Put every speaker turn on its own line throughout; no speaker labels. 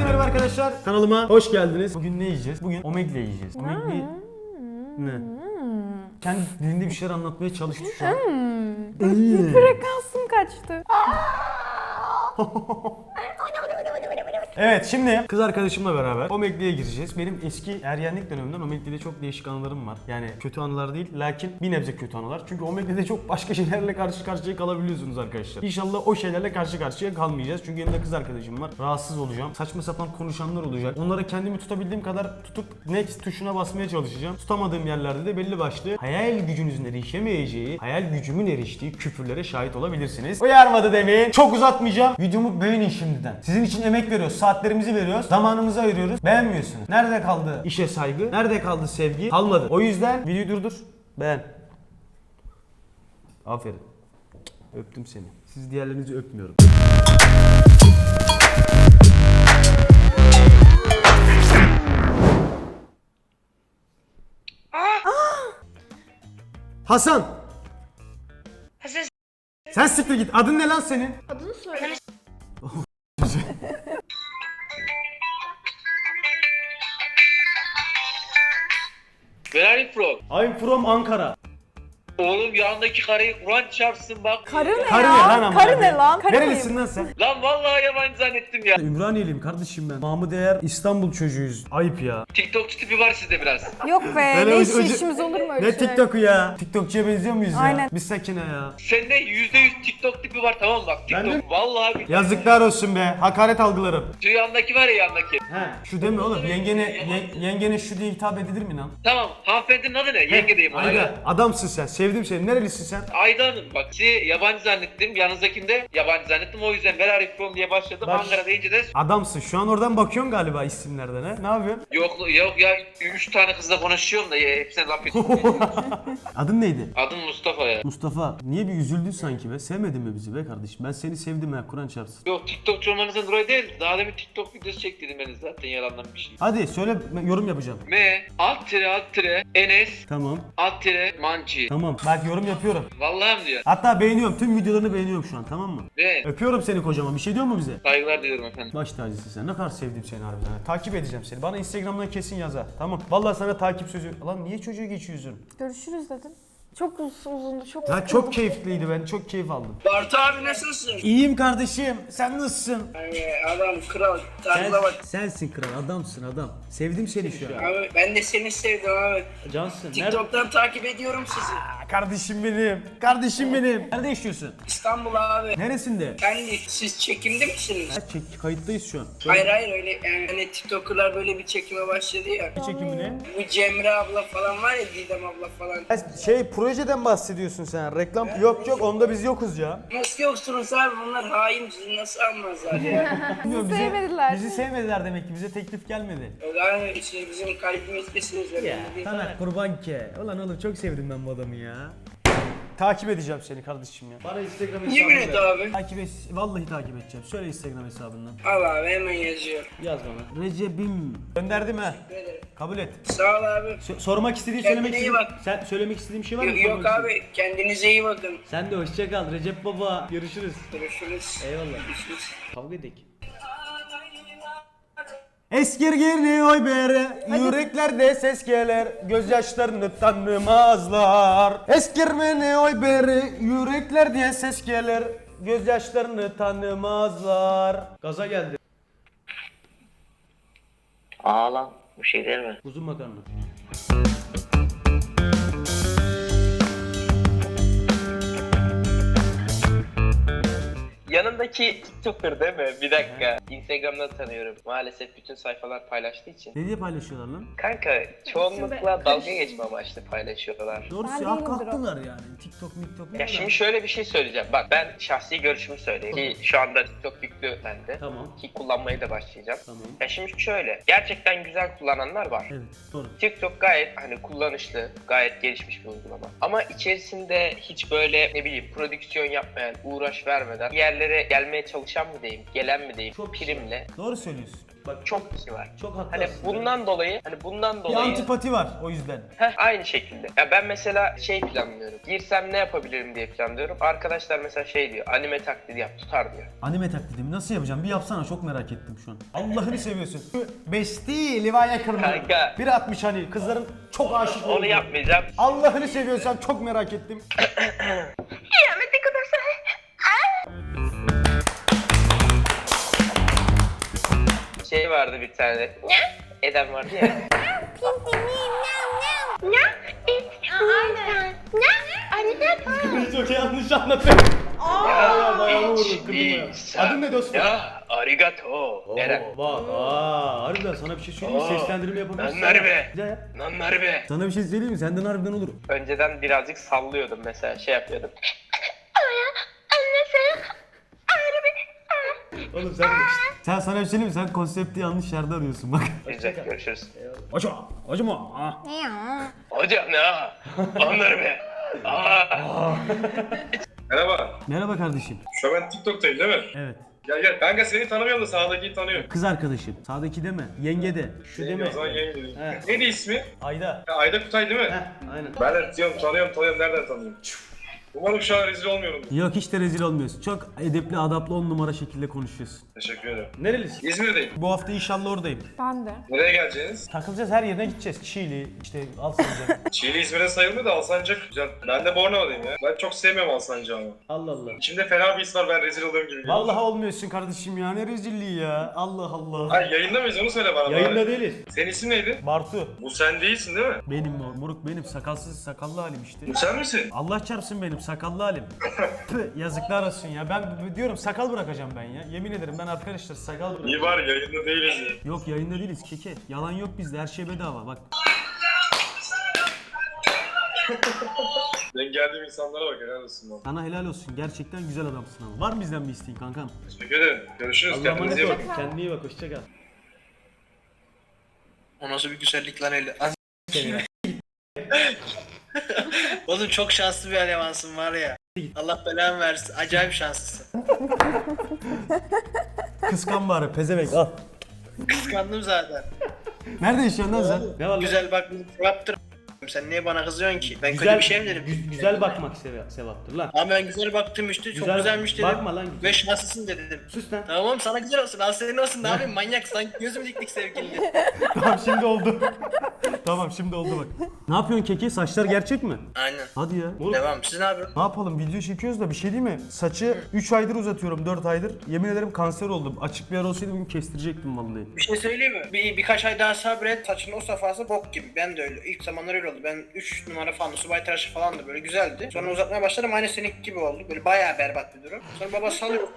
merhaba arkadaşlar. Kanalıma hoş geldiniz. Bugün ne yiyeceğiz? Bugün omegle yiyeceğiz. Omegle... Ne? Kendi dilinde bir şeyler anlatmaya çalıştı şu an.
Frekansım kaçtı.
Evet, şimdi kız arkadaşımla beraber omegle'ye gireceğiz. Benim eski ergenlik dönemimden omegle'de çok değişik anılarım var. Yani kötü anılar değil, lakin bir nebze kötü anılar. Çünkü omegle'de çok başka şeylerle karşı karşıya kalabiliyorsunuz arkadaşlar. İnşallah o şeylerle karşı karşıya kalmayacağız. Çünkü yanımda kız arkadaşım var. Rahatsız olacağım. Saçma sapan konuşanlar olacak. Onlara kendimi tutabildiğim kadar tutup next tuşuna basmaya çalışacağım. Tutamadığım yerlerde de belli başlı hayal gücünüzün erişemeyeceği, hayal gücümün eriştiği küfürlere şahit olabilirsiniz. Uyarmadı demeyin. Çok uzatmayacağım. Videomu beğenin şimdiden. Sizin için emek veriyoruz. Saatlerimizi veriyoruz. Zamanımızı ayırıyoruz. Beğenmiyorsunuz. Nerede kaldı işe saygı? Nerede kaldı sevgi? Kalmadı. O yüzden videoyu durdur. Beğen. Aferin. Öptüm seni. Siz diğerlerinizi öpmüyorum. Hasan.
Hasan
Sen siktir git. Adın ne lan senin?
Adını söyle.
Where are you from?
I'm from Ankara.
Oğlum yanındaki karıyı Kur'an çarpsın bak.
Karı ne
Karı
ya?
ne lan amına
Karı ne
koyayım?
lan? Karı
Nerelisin
mıyım?
lan sen?
Lan vallahi yabancı zannettim ya.
Ümraniyeliyim kardeşim ben. Mahmut Eğer İstanbul çocuğuyuz. Ayıp ya.
TikTokçu tipi var sizde biraz.
Yok be.
Böyle
Ne
ucu-
işimiz olur mu öyle
Ne
şey?
TikTok'u ya? TikTokçuya benziyor muyuz ya?
Aynen.
Bir sakine ya.
Sende %100 TikTok tipi var, tamam mı? Bak
Ben
TikTok
de-
vallahi bir.
Yazıklar olsun be. Hakaret algılarım.
Şu yandaki var ya yandaki.
He. Şu deme oğlum. Yengene şu diye hitap edilir mi lan?
Tamam, hanımefendinin adı ne? Yenge diyeyim ona.
Ayda. Adamsın sen. Sevdim seni. Nerelisin sen?
Ayda Hanım, bak sizi yabancı zannettim. Yanınızdakini de yabancı zannettim. O yüzden Where are you from diye başladım.
Bak-
Ankara deyince de
Adamsın. Şu an oradan bakıyorsun galiba isimlerden he. Ne yapıyorsun?
yok ya 3 tane kızla konuşuyorum da hepsine laf ediyorum.
Adın neydi?
Adım Mustafa ya.
Mustafa. Niye bir üzüldün sanki be? Sevmedin mi bizi be kardeşim? Ben seni sevdim ha. Kur'an çarpsın.
Yok, TikTokçu olmanızdan dolayı değil. Daha demin TikTok videosu çektirdim ben zaten yalandan bir şey.
Hadi söyle, ben yorum yapacağım.
M __, Enes
Tamam.
_,
Tamam. Bak yorum yapıyorum.
Vallahi mi diyor?
Hatta beğeniyorum. Tüm videolarını beğeniyorum şu an, tamam mı?
Ve
Öpüyorum seni kocaman. Bir şey diyor mu bize?
saygılar diliyorum efendim.
Baş tacısın sen. Ne kadar sevdim seni harbiden. ha. Takip edeceğim seni. Bana Instagram'dan kesin yaz ha. Tamam. Vallahi sana takip sözü. Lan niye çocuğa geçiyorsun?
Görüşürüz dedim. Çok uzundu, çok
Ya
sıkıldım.
çok keyifliydi. Ben çok keyif aldım.
Bartu abi nasılsın?
İyiyim kardeşim. Sen nasılsın?
Adam kral tarzına bak.
Sensin kral. Adamsın adam. Sevdim seni şu an.
Abi ben de seni sevdim abi.
Cansın.
TikTok'tan takip ediyorum sizi.
Kardeşim benim. Kardeşim benim. Nerede yaşıyorsun?
İstanbul abi.
Neresinde?
Kendi siz çekimde misiniz?
Kayıttayız şu an.
Hayır öyle yani hani TikToker'lar böyle bir çekime başladı ya.
Ne çekimi ne?
Bu Cemre abla falan var ya, Didem abla falan.
Projeden bahsediyorsun sen. Reklam yok onda biz yokuz ya.
Nasıl yoksunuz abi, bunlar hain, sizi nasıl almazlar ya?
Bilmiyorum,
sevmediler.
Bizi sevmediler demek ki. Bize teklif gelmedi.
Yani işte bizim kalbimizdesiniz öyle.
Ya Taner kurban ke. Ulan oğlum çok sevdim ben bu adamı ya. Takip edeceğim seni kardeşim ya. Bana Instagram hesabını
Yemin et abi.
Takip et. Vallahi takip edeceğim. Söyle Instagram hesabından.
Al abi hemen yazıyorum.
Yaz bana. Recep'im. Gönderdim ha.
Teşekkür ederim.
Kabul et.
Sağ ol abi.
Sormak istediğin,
Kendine
söylemek
iyi
istediğin.
bak.
Sen söylemek istediğin bir şey var mı?
Yok
Sormak istediğin?
abi, kendinize iyi bakın.
Sen de hoşça kal Recep baba. Görüşürüz.
Görüşürüz.
Eyvallah.
Görüşürüz.
Kavga edik. Eskirgini oy bere, yüreklerde ses gelir, gözyaşlarını tanımazlar. Eskirmeni oy bere, yüreklerde ses gelir, gözyaşlarını tanımazlar. Gaza geldi.
Ağlan, bu şey değil mi?
Uzun makarna.
Yanındaki TikToker değil mi? Bir dakika. Instagram'dan tanıyorum. Maalesef bütün sayfalar paylaştığı için.
Ne diye paylaşıyorlar lan?
Kanka çoğunlukla dalga geçme amaçlı paylaşıyorlar.
Doğrusu
Ben
hak
değilimdir o.
haklılar yani. TikTok, miktok.
Ya şimdi şöyle bir şey söyleyeceğim. Bak ben şahsi görüşümü söyleyeyim. Ki şu anda TikTok yüklü bende.
Tamam.
Ki kullanmaya da başlayacağım.
Tamam.
Ya şimdi şöyle. Gerçekten güzel kullananlar var.
Evet, doğru.
TikTok gayet hani kullanışlı, gayet gelişmiş bir uygulama. Ama içerisinde hiç böyle ne bileyim prodüksiyon yapmayan, uğraş vermeden yerlere yerlere gelmeye çalışan mı diyeyim, gelen mi diyeyim,
Çok
primle.
Doğru söylüyorsun. Bak
Çok kişi var.
çok
Hani
haklısın.
bundan
Bir
dolayı
antipati var o yüzden.
aynı şekilde. Ya ben mesela şey planlıyorum. Girsem ne yapabilirim diye planlıyorum. Arkadaşlar mesela şey diyor. Anime taklidi yap, tutar diyor.
Anime taklidimi nasıl yapacağım? Bir yapsana, çok merak ettim şu an. Allah'ını seviyorsun. Besti, Levi'ye kırmızı.
Kanka.
1.60 hani kızların çok aşık olduğu.
Onu yapmayacağım.
Allah'ını seviyorsan çok merak ettim.
Şey vardı bir tane. Eden vardı ya.
Çok yanlış anlatıyorum.
Ya,
bayağı vurdun,
hiç
kırdın
değilse.
ya. Adın ne dostum?
Ya, arigato. Eren.
Bak, harbiden sana bir şey söyleyeyim mi? Seslendirme yapabilirsin.
Nanları be.
Bir daha yap.
Nanları be.
Sana bir şey söyleyeyim mi? Senden harbiden olur.
Önceden birazcık sallıyordum mesela, şey yapıyordum.
Oğlum sen sana bir şey söyleyeyim mi? Sen konsepti yanlış yerde arıyorsun bak.
Biz de görüşürüz.
Acıma.
Hocam ya. Onları be.
Merhaba.
Merhaba kardeşim.
Şu an ben TikTok'tayım değil mi?
Evet.
Gel. Kanka seni tanımıyorum da sağdakiyi tanıyorum.
Kız arkadaşım. Sağdaki deme. Yenge de. Şu deme.
O zaman yenge.
He.
Neydi ismi?
Ayda.
Ya, Ayda Kutay değil mi?
Heh, aynen.
Ben de diyorum tanıyorum. Nereden tanıyorum? Umarım şu an rezil olmuyorum.
Yok, hiç de rezil olmuyorsun. Çok edepli, adaplı 10 numara şekilde konuşuyorsun.
Teşekkür ederim.
Nerelisin?
İzmir'deyim.
Bu hafta inşallah oradayım.
Ben de.
Nereye geleceğiniz?
Takılacağız, her yerine gideceğiz. Çiğli, işte Alsancak.
Çiğli İzmir'e sayılmıyor da Alsancak güzel. Ben de Bornova'dayım ya. Ben çok sevmiyorum Alsancak'ı ama.
Allah Allah.
İçimde fena bir his var, ben rezil oluyorum gibi. geliyor.
Vallahi olmuyorsun kardeşim ya, ne rezilliği ya. Allah Allah.
Hayır, yayında mıyız onu söyle bana.
Yayında
bari.
değiliz.
Senin isim neydi?
Bartu.
Bu sen değilsin değil mi?
Benim moruk, benim sakalsız sakallı halim işte.
Bu sen misin?
Allah çarpsın benim sakallı halim. Püh, yazıklar olsun ya. Ben diyorum sakal bırakacağım ben ya. Yemin ederim ben arkadaşlar sakal bırakacağım.
İyi var, yayında değiliz ya.
Yok, yayında değiliz keke. Yalan yok bizde, her şey bedava bak.
Ben geldiğim insanlara bak, helal olsun bana.
Sana helal olsun, gerçekten güzel adamsın ama. Var mı bizden bir isteğin kankam?
Teşekkür ederim. Görüşürüz.
Allah'a
Kendinize iyi
emanet
bakın.
ol. Kendine iyi bak, hoşça kal.
O nasıl bir güzellik lan öyle. Oğlum çok şanslı bir elemansın var ya. Allah belanı versin. Acayip şanslısın.
Kıskan bari, pezevenk al.
Kıskandım zaten.
Nerede yaşıyorsun lan sen? Ne var lan?
Güzel bak sevaptır. Sen niye bana kızıyorsun ki? Ben kötü bir şey mi dedim?
Güzel bakmak sevaptır lan.
Ama ben güzel baktım işte. Çok
Güzel-
güzelmiş dedim.
bakma lan güzel.
Ve şanslısın dedim.
Sus lan.
Tamam sana güzel olsun. Al senin olsun. Ne yapayım manyak sanki gözüm diktik sevgili.
Tamam, şimdi oldu. Tamam, şimdi oldu bak. Ne yapıyorsun keki? Saçlar gerçek mi?
Aynen.
Hadi ya. Moruk,
Devam. Siz ne yapıyorsunuz?
ne yapalım? Video çekiyoruz da bir şey değil mi? Saçı 3 aydır uzatıyorum, 4 aydır. Yemin ederim kanser oldum. Açık bir yer olsaydı bugün kestirecektim vallahi.
Bir şey söyleyeyim mi? Birkaç ay daha sabret. Saçın o safhası bok gibi. Ben de öyle. İlk zamanlar öyle oldu. Ben 3 numara falan subay tıraşı falan da böyle güzeldi. Sonra uzatmaya başladım. Aynı seninki gibi oldu. Böyle bayağı berbat bir durum. Sonra baba salıyor.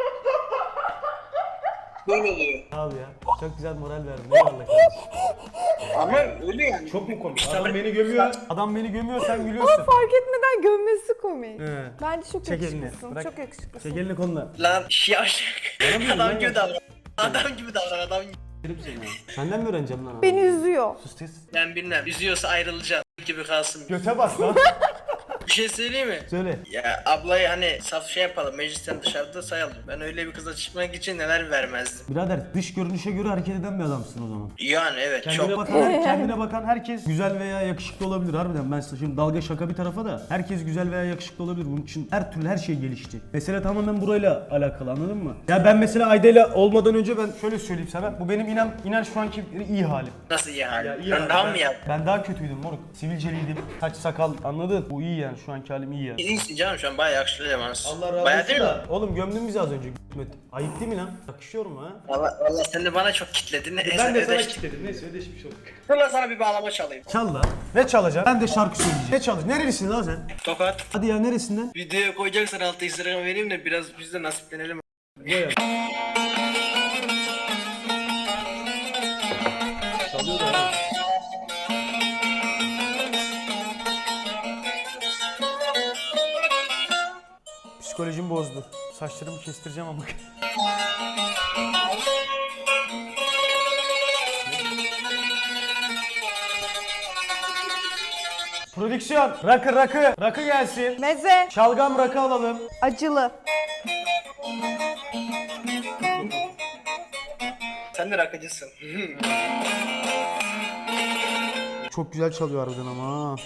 Böyle oluyor.
Sağ ol ya. Çok güzel moral verdin. Eyvallah kardeşim.
Ama öyle yani.
Çok mu komik?
İşte
Adam
ben-
beni gömüyor. Adam beni gömüyor, sen gülüyorsun.
Fark etmeden gömmesi komik.
He.
Bence çok
Çek elini,
yakışıklısın.
bırak.
Çok yakışıklısın.
Çek elini koluna.
Lan yavşak.
Bana mı
Adam
lan
gibi
ya?
davran. Adam gibi davran. Adam gibi.
Derim seni ya. Senden mi öğreneceğim lan? abi?
Beni üzüyor.
Sus kız.
Ben bilmem. Üzüyorsa ayrılacağım. Gibi kalsın.
Göte bas lan.
Bir şey söyleyeyim mi?
Söyle.
Ya ablayı hani saf şey yapalım. Meclisten dışarıda sayalım. Ben öyle bir kıza çıkmak için neler vermezdim.
Birader, dış görünüşe göre hareket eden bir adamsın o zaman.
Yani evet
Kendine
çok.
bakan, kendine bakan herkes güzel veya yakışıklı olabilir harbiden. Ben size şimdi dalga şaka bir tarafa da herkes güzel veya yakışıklı olabilir. Bunun için her türlü her şey gelişti. Mesele tamamen burayla alakalı, anladın mı? Ya ben mesela Ayda'yla olmadan önce ben şöyle söyleyeyim sana. Bu benim inan şu anki iyi halim.
Nasıl iyi hali?
Ya iyi
Ben
halim.
daha mı yaptım?
Ben daha kötüydüm moruk. Sivilceliydim. Saç sakal, anladın? Bu iyi yani, şu anki halim iyi yani.
İyisin canım şu an bayağı yakışıklı elemansın.
Allah razı
Bayağı
olsun
değil mi?
da. Oğlum gömdün bizi az önce. Ayıp değil mi lan? Yakışıyor mu ha?
Valla sen de bana çok kitledin.
Ben de sana
Ödeştik.
kilitledim. Neyse, ödeşmiş olduk.
Dur lan sana bir bağlama çalayım.
Çal lan. Ne çalacağım? Ben de şarkı söyleyeceğim. Ne çalacağım? Nerelisin lan sen?
Tokat.
Hadi ya, neresinden?
Videoya koyacaksan altı Instagram vereyim de biraz biz de nasiplenelim.
Buraya. Çalıyor da ha. Psikolojim bozdu. Saçlarımı kestireceğim ama. Prodüksiyon, rakı gelsin.
Meze,
Şalgam rakı alalım.
acılı.
Sen de rakıcısın.
Çok güzel çalıyor harbiden ama.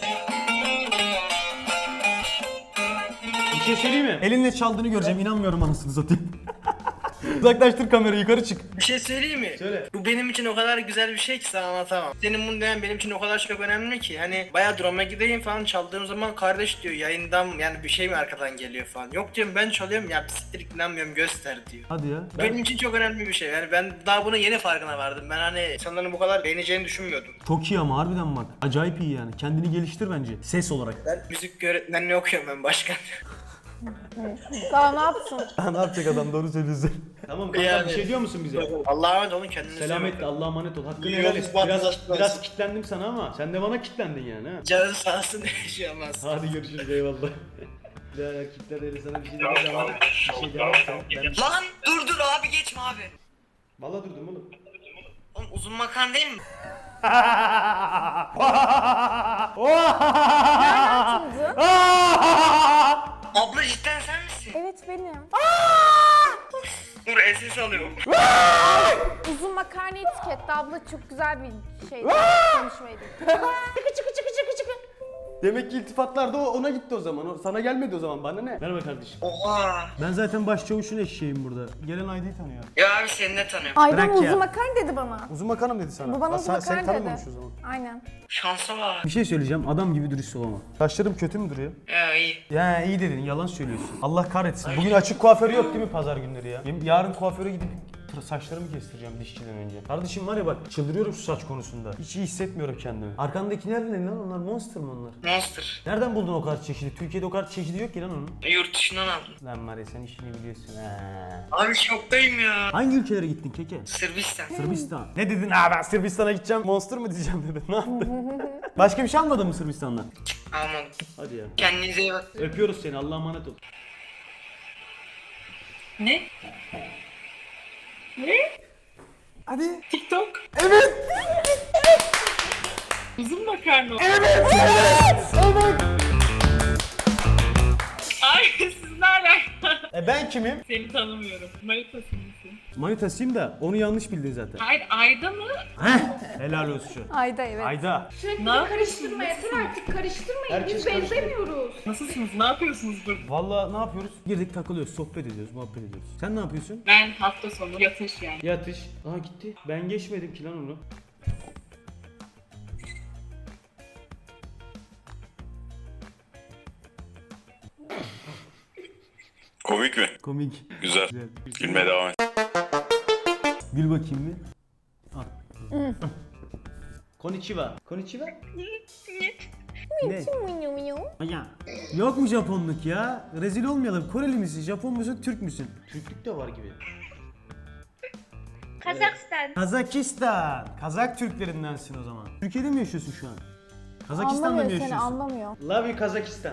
Bir şey söyleyeyim mi? Elinle çaldığını göreceğim. İnanmıyorum anasını satayım. Uzaklaştır kamerayı, yukarı çık.
Bir şey söyleyeyim mi?
Söyle.
Bu benim için o kadar güzel bir şey ki sana anlatamam. Senin bunu demen benim için o kadar çok önemli ki. Hani bayağı drama gideyim falan çaldığım zaman kardeş diyor yayından yani bir şey mi arkadan geliyor falan. Yok diyorum ben çalıyorum ya siktir inanmıyorum göster diyor.
Hadi ya.
Benim için çok önemli bir şey. Yani ben daha bunun yeni farkına vardım. Ben hani insanların bu kadar beğeneceğini düşünmüyordum.
Çok iyi ama harbiden bak. Acayip iyi yani. Kendini geliştir bence. Ses olarak.
Ben müzik öğretmenliği okuyorum ben başkan.
Daha ne yapsın?
Ne yapacak adam, doğru söylüyorsun. Tamam kanka,
Yani-
bir şey diyor musun bize?
Allah'a emanet olun kendinize.
Selametle, Allah'a emanet ol. Hakkını
Yolunuz
helal et.
bahtınız
Biraz,
açık olsun.
biraz kitlendim sana ama sen de bana kitlendin yani ha.
Canın sağ olsun yaşayamaz.
Hadi görüşürüz, eyvallah. Ya erkekler öyle sana bir şey demez ama bir şey demezsen ben...
Lan dur abi geçme abi.
Valla durdum oğlum.
Oğlum uzun makan değil mi?
Açıldı.
Abla cidden sen misin?
Evet benim.
Dur SS alıyorum.
Uzun makarna etiketti abla, çok güzel bir şeydi. Konuşmaydı. Çıkı çıkı çıkı çıkı çıkı.
Demek ki iltifatlar da ona gitti o zaman. O sana gelmedi o zaman, bana ne? Merhaba kardeşim.
Oha.
Ben zaten başçavuşun eşeğim burada. Gelen Aydı'yı tanıyor.
Ya abi seni ne tanıyorum?
Aydan
Bırak ya.
uzun makarna dedi bana.
Uzun makarna mı dedi sana?
Bu bana uzun
Seni
makarna dedi.
tanımamış o zaman.
Aynen.
Şansa bak.
Bir şey söyleyeceğim, adam gibi dürüst ol ama. Saçlarım kötü mü duruyor?
Ya iyi.
Ya iyi dedin, yalan söylüyorsun. Allah kahretsin. Bugün açık kuaförü yok değil mi pazar günleri ya? Yarın kuaföre gidip saçlarımı kestireceğim dişçiden önce. Kardeşim var ya bak, çıldırıyorum şu saç konusunda. Hiç iyi hissetmiyorum kendimi. Arkandakiler ne lan, onlar Monster mı onlar?
Monster.
Nereden buldun o kadar çeşidi? Türkiye'de o kadar çeşidi yok ki lan onun.
Yurt dışından aldım.
Lan var ya, sen işini biliyorsun ha.
Abi şoktayım ya.
Hangi ülkelere gittin keke?
Sırbistan.
Sırbistan. Ne dedin? Ben Sırbistan'a gideceğim. Monster mı diyeceğim dedin. Ne yaptın? Başka bir şey almadın mı Sırbistan'dan?
Almadım.
Hadi ya.
Kendinize iyi bak.
Öpüyoruz seni. Allah'a emanet ol.
Ne?
Hadi.
TikTok?
Evet.
Uzun makarna.
Evet.
Ay siz ne alaka?
Ben kimim?
Seni tanımıyorum. Manitasın mısın?
Manitasıyım da onu yanlış bildin zaten.
Hayır Ayda mı?
Heh. Helal olsun.
Ayda evet.
Ayda.
Sürekli
Ne
de
yapıyorsunuz?
karıştırma yeter artık karıştırmayın.
Herkes
Biz
karıştırıyor.
benzemiyoruz.
Nasılsınız? Ne yapıyorsunuz burada?
Vallahi ne yapıyoruz? Girdik takılıyoruz, sohbet ediyoruz, muhabbet ediyoruz. Sen ne yapıyorsun?
Ben hafta sonu yatış yani.
Yatış. Aa gitti. Ben geçmedim ki lan onu.
Komik mi?
Komik.
Güzel.
Güzel.
Gülmeye devam et.
Gül bakayım bir. Al. Konnichiwa. Konnichiwa? Ne?
Minyo minyo.
Ya. Yok mu Japonluk ya? Rezil olmayalım. Koreli misin, Japon musun, Türk müsün? Türklük de var gibi.
Kazakistan.
Kazakistan. Kazak Türklerindensin o zaman. Türkiye'de mi yaşıyorsun şu an? Kazakistan'da mı
Anlamıyor seni,
yaşıyorsun?
anlamıyor.
Love you Kazakistan.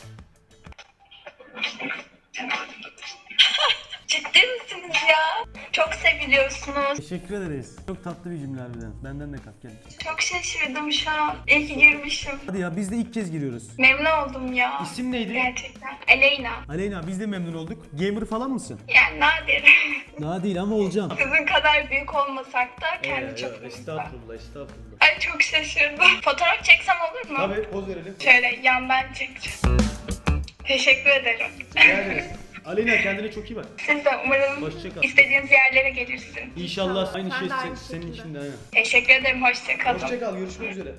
Ciddi misiniz ya? Çok seviliyorsunuz.
Teşekkür ederiz. Çok tatlı bir cümle harbiden. Benden de kat gel.
Çok şaşırdım şu an. İyi ki girmişim.
Hadi ya, biz de ilk kez giriyoruz.
Memnun oldum ya.
İsim neydi?
Gerçekten. Aleyna.
Aleyna, biz de memnun olduk. Gamer falan mısın?
Yani nadir.
Daha değil ama olacağım.
Sizin kadar büyük olmasak da kendi çok
Estağfurullah, estağfurullah.
Ay çok şaşırdım. Fotoğraf çeksem olur mu?
Tabii, poz verelim.
Şöyle yandan çekeceğim. Teşekkür ederim.
Rica ederiz. Aleyna, kendine çok iyi bak.
Siz de umarım
Hoşça kal.
istediğiniz yerlere gelirsin.
İnşallah aynı
Sen
şey
de aynı
senin
şekilde.
için de aynen.
Teşekkür ederim. Hoşça kalın.
Hoşça kal, görüşmek üzere.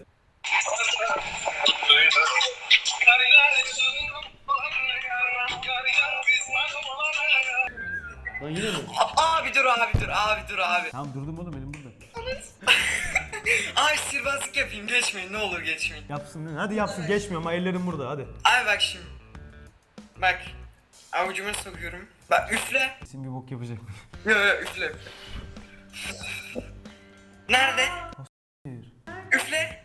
Lan yine mi?
Abi dur abi.
Tamam durdum oğlum, elim burada.
Abi sihirbazlık yapayım geçmeyin ne olur geçmeyin.
Yapsın lan. Hadi yapsın, geçmiyor ama ellerim burada, hadi.
Abi bak şimdi. Bak. Avucuma sokuyorum. Bak üfle.
Kesin bir bok yapacak.
Yo, üfle. Nerede? Üfle.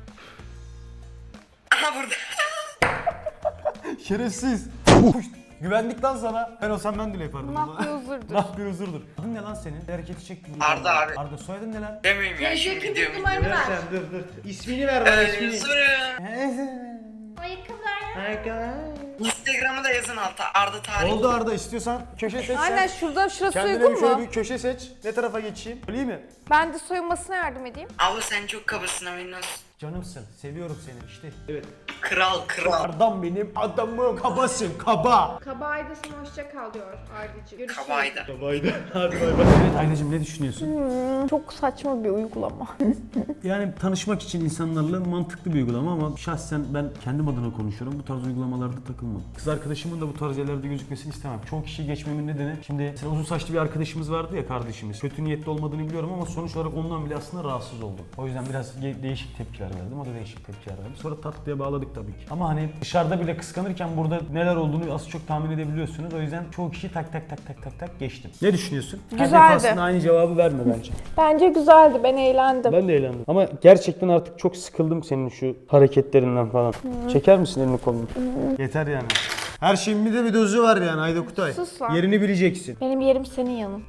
Aha burada.
Şerefsiz. Güvendik lan sana. Ben olsam ben de yapardım.
Ne yapıyor huzurdur.
Ne yapıyor huzurdur. Adın ne lan senin? Hareketi çek.
Arda abi.
Arda, soyadın ne lan?
Demeyeyim ya şimdi
TC kimlik
videomu.
numaranı ver.
dur. İsmini ver bana, ismini.
Sonra
Ayakkabılar.
Instagram Instagram'ı da yazın alta. Arda Tarih.
Oldu Arda, istiyorsan köşe seç sen.
Aynen şurası
Kendine
uygun
şöyle
mu?
bir köşe seç. Ne tarafa geçeyim? Öyle mi?
Ben de soyunmasına yardım edeyim.
Abla sen çok kabasın haberin olsun.
Canımsın. Seviyorum seni işte. Evet.
Kral.
Adam benim adamım. Kabasın. Kaba.
Kabayda sana hoşça kal diyor Arda'cığım. Görüşürüz.
Kabayda.
Kabaydı. Hadi bay bay. Evet Aynacığım, ne düşünüyorsun?
Çok saçma bir uygulama.
Yani tanışmak için insanlarla mantıklı bir uygulama ama şahsen ben kendim adına konuşuyorum. Bu tarz uygulamalarda takılmam. Kız arkadaşımın da bu tarz yerlerde gözükmesini istemem. Çoğu kişiyi geçmemin nedeni, şimdi mesela uzun saçlı bir arkadaşımız vardı ya, kardeşimiz. Kötü niyetli olmadığını biliyorum ama sonuç olarak ondan bile aslında rahatsız oldum. O yüzden biraz değişik tepkiler verdim. O da değişik tepkiler verdi. Sonra tatlıya bağladık tabii ki. Ama hani dışarıda bile kıskanırken burada neler olduğunu az çok tahmin edebiliyorsunuz. O yüzden çoğu kişi tak geçtim. Ne düşünüyorsun? Her
Güzeldi.
defasında aynı cevabı verme bence.
Bence güzeldi. Ben eğlendim.
Ben de eğlendim. Ama gerçekten artık çok sıkıldım senin şu hareketlerinden falan. Çeker misin elini kolunu? Yeter yani. Her şeyin bir de bir dozu var yani Ayda Kutay.
Sus lan.
Yerini bileceksin.
Benim yerim senin yanın.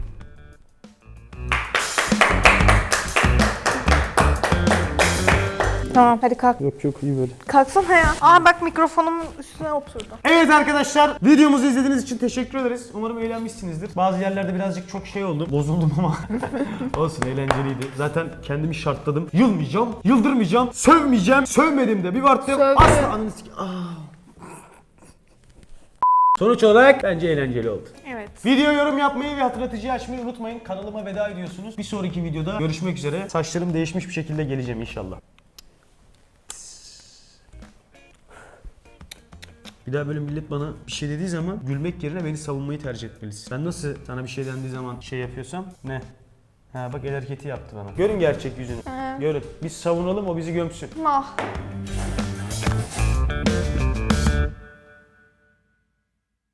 Tamam hadi kalk.
Yok iyi böyle.
Kalksana ya. Aa bak mikrofonumun üstüne oturdu.
Evet arkadaşlar, videomuzu izlediğiniz için teşekkür ederiz. Umarım eğlenmişsinizdir. Bazı yerlerde birazcık çok şey oldum. Bozuldum ama olsun, eğlenceliydi. Zaten kendimi şartladım. Yılmayacağım, yıldırmayacağım, sövmeyeceğim. Sövmedim de bir baktım.
Sövdü.
Asla ananı Sonuç olarak bence eğlenceli oldu.
Evet.
Video yorum yapmayı ve hatırlatıcıyı açmayı unutmayın. Kanalıma veda ediyorsunuz. Bir sonraki videoda görüşmek üzere. Saçlarım değişmiş bir şekilde geleceğim inşallah. Bir daha böyle millet bana bir şey dediği zaman gülmek yerine beni savunmayı tercih etmelisin. Ben nasıl sana bir şey dendiği zaman şey yapıyorsam ne? Ha bak, el hareketi yaptı bana. Görün gerçek yüzünü. Görün. Biz savunalım, o bizi gömsün.
Mah.